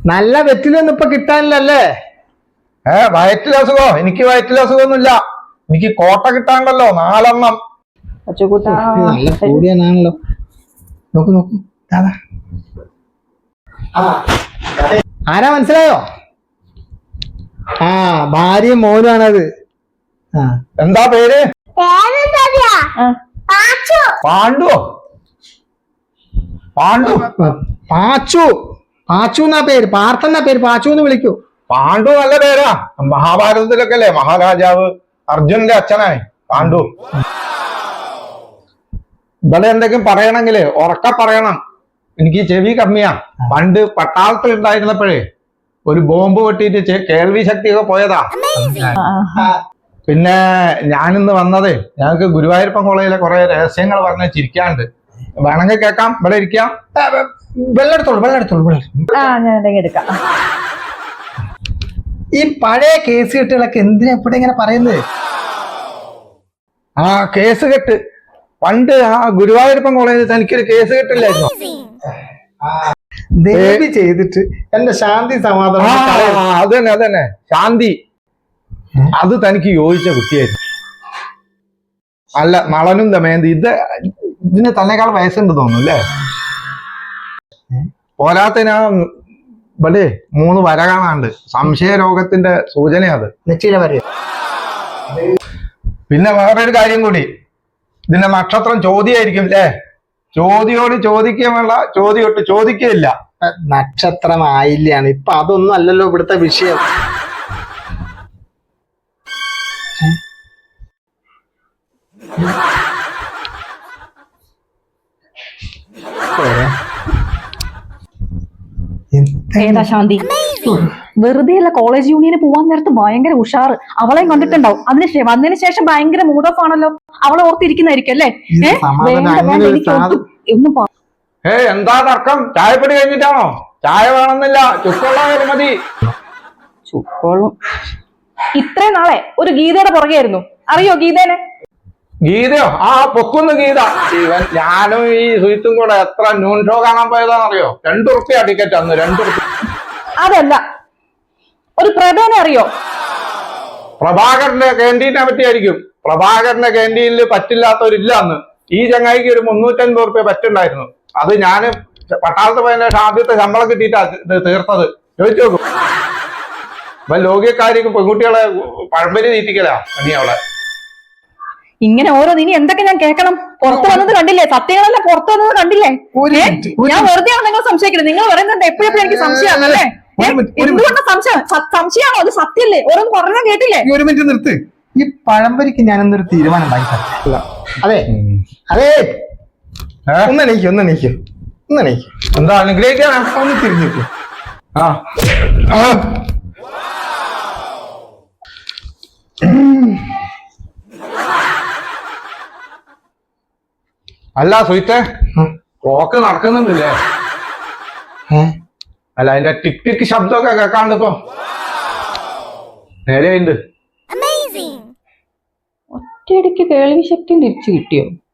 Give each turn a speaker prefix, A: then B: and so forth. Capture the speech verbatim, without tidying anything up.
A: നല്ല വെറ്റിലൊന്നും ഇപ്പൊ കിട്ടാനില്ലല്ലേ?
B: ഏ വയറ്റിൽ അസുഖോ? എനിക്ക് വയറ്റിൽ അസുഖമൊന്നുമില്ല. എനിക്ക് കോട്ട കിട്ടാണ്ടല്ലോ നാലെണ്ണം.
A: നല്ല കൂടിയാണല്ലോ. നോക്കൂ നോക്കൂ. ആരാ മനസ്സിലായോ? ആ ഭാര്യയും മോനുമാണത്. ആ
B: എന്താ പേര്? പാണ്ഡുവോ? പാണ്ഡു
A: പാച്ചു. പാച്ചു എന്നാ പേര്. പാർത്ഥന്നാ പേര്. പാച്ചു എന്ന് വിളിക്കൂ.
B: പാണ്ഡു നല്ല പേരാ. മഹാഭാരതത്തിലൊക്കെ അല്ലേ മഹാരാജാവ് അർജുനന്റെ അച്ഛനാണ് പാണ്ഡു. ഇവിടെ എന്തെങ്കിലും പറയണെങ്കില് ഉറക്ക പറയണം. എനിക്ക് ചെവി കമ്മിയാ. പണ്ട് പട്ടാളത്തിൽ ഉണ്ടായിരുന്നപ്പോഴേ ഒരു ബോംബ് പൊട്ടിയിട്ട് കേൾവി ശക്തിയൊക്കെ പോയതാ. പിന്നെ ഞാനിന്ന് വന്നതേ ഞങ്ങൾക്ക് ഗുരുവായൂരപ്പൻ കോളേജിലെ കുറെ രഹസ്യങ്ങൾ പറഞ്ഞ് ചിരിക്കാണ്ട്. വേണമെങ്കിൽ കേൾക്കാം. ഇവിടെ ഇരിക്കാം. വെള്ളെടുത്തോളൂ വെള്ളെടുത്തോളൂ വെള്ളം.
A: ഈ പഴയ കേസ് കെട്ടുകളൊക്കെ എന്തിനാ ഇവിടെ ഇങ്ങനെ പറയുന്നത്?
B: ആ കേസ് കെട്ട് പണ്ട് ആ ഗുരുവായൂരപ്പൻ കോളേജിൽ തനിക്കൊരു കേസ് കെട്ടില്ലായിരുന്നു?
A: ദേവി ചെയ്തിട്ട് എന്റെ ശാന്തി സമാധാനം.
B: അത് തന്നെ അത് തന്നെ ശാന്തി. അത് തനിക്ക് യോജിച്ച കുട്ടിയായിരുന്നു. അല്ല നളനും ദമയന്തി ഇത് ഇതിന് തന്നെക്കാൾ വയസ്സുണ്ട് തോന്നുന്നു അല്ലേ? പോരാത്തതിനാ ഇവിടെ മൂന്ന് വര കാണാണ്ട്. സംശയ രോഗത്തിന്റെ സൂചന അത്. പിന്നെ വേറൊരു കാര്യം കൂടി, ഇതിന്റെ നക്ഷത്രം ചോദ്യായിരിക്കും അല്ലേ? ചോദ്യോട് ചോദിക്കുകയുള്ള ചോദ്യോട്ട് ചോദിക്കുകയില്ല.
A: നക്ഷത്രം ആയില്ലാണ്. ഇപ്പൊ അതൊന്നും അല്ലല്ലോ ഇവിടുത്തെ വിഷയം.
C: ഏതാ ശാന്തി? വെറുതെ അല്ല, കോളേജ് യൂണിയന് പോവാൻ നേരത്ത് ഭയങ്കര ഉഷാറ്. അവളെയും കണ്ടിട്ടുണ്ടാവും. അതിന് വന്നതിന് ശേഷം ഭയങ്കര മൂഡ് ഓഫ് ആണല്ലോ. അവളെ ഓർത്തിരിക്കുന്നതായിരിക്കും അല്ലേ? ഒന്നും
B: ഏ എന്താ തർക്കം? ചായപ്പൊടി കഴിഞ്ഞിട്ടാണോ? ചായ വേണമെന്നില്ല, ചുക്കുള്ള മതി.
C: ചുക്കോളും. ഇത്രയും നാളെ ഒരു ഗീതയുടെ പുറകെയായിരുന്നു. അറിയോ ഗീതേനെ?
B: ഗീതയോ? ആ പൊക്കുന്നു ഗീത. ഇവൻ ഞാനും ഈ സുഹിത്തും കൂടെ എത്ര ന്യൂൺ ഷോ കാണാൻ പോയതാണെന്നറിയോ? രണ്ടുറുപ്പ്യ ടിക്കറ്റ് അന്ന്. രണ്ടുറുപ്പ്യ.
C: അതല്ല, ഒരു പ്രഭേനെ അറിയോ?
B: പ്രഭാകരന്റെ ക്യാൻറ്റീനെ പറ്റിയായിരിക്കും. പ്രഭാകരന്റെ ക്യാൻറ്റീനിൽ പറ്റില്ലാത്തവരില്ല അന്ന്. ഈ ചങ്ങായിക്ക് ഒരു മുന്നൂറ്റൻപത് റുപ്യ പറ്റുണ്ടായിരുന്നു. അത് ഞാൻ പട്ടാളത്ത് പോയതിന്റെ ആദ്യത്തെ ശമ്പളം കിട്ടിയിട്ടാ തീർത്തത്. ചോദിച്ചു നോക്കും. അപ്പൊ ലോകിയക്കാരിക്ക് പെൺകുട്ടികളെ പഴമ്പരി തീറ്റിക്കലാ നീ അവിടെ.
C: ഇങ്ങനെ ഓരോ ഇനി എന്തൊക്കെ ഞാൻ കേൾക്കണം? പുറത്തു വന്നത് കണ്ടില്ലേ? സത്യങ്ങളെല്ലാം പുറത്തു വന്നത് കണ്ടില്ലേ? ഞാൻ വെറുതെയാണ് നിങ്ങൾ സംശയിക്കുന്നത്. നിങ്ങൾ പറയുന്നത് എപ്പോഴെപ്പോഴും എനിക്ക് സംശയമാണല്ലേ? എന്തുകൊണ്ട് സംശയം? സംശയമാണോ? അത് സത്യല്ലേ? ഓരോന്ന് പറഞ്ഞാൽ കേട്ടില്ലേ?
A: ഒരു മിനിറ്റ് നിർത്ത്. ഈ പഴംപരിക്ക് ഞാനെന്തൊരു തീരുമാനം ഉണ്ടാക്കി. അതെ അതെ ഒന്നെണീക്കും ഒന്നെണീക്കും ഒന്നെണീക്കും.
B: എന്താ അനുഗ്രഹിക്കാനാ?
A: ഒന്ന് തിരിഞ്ഞിരിക്കും.
B: ആ അല്ല സുഹിത്തെ, ക്ലോക്ക് നടക്കുന്നുണ്ടല്ലേ? അല്ല അതിന്റെ ടിക് ടിക് ശബ്ദമൊക്കെ കേൾക്കാണ്ട് ഇപ്പൊ നേരെയുണ്ട്.
C: ഒറ്റയടിക്ക് കേൾവി ശക്തി തിരിച്ചു കിട്ടിയോ?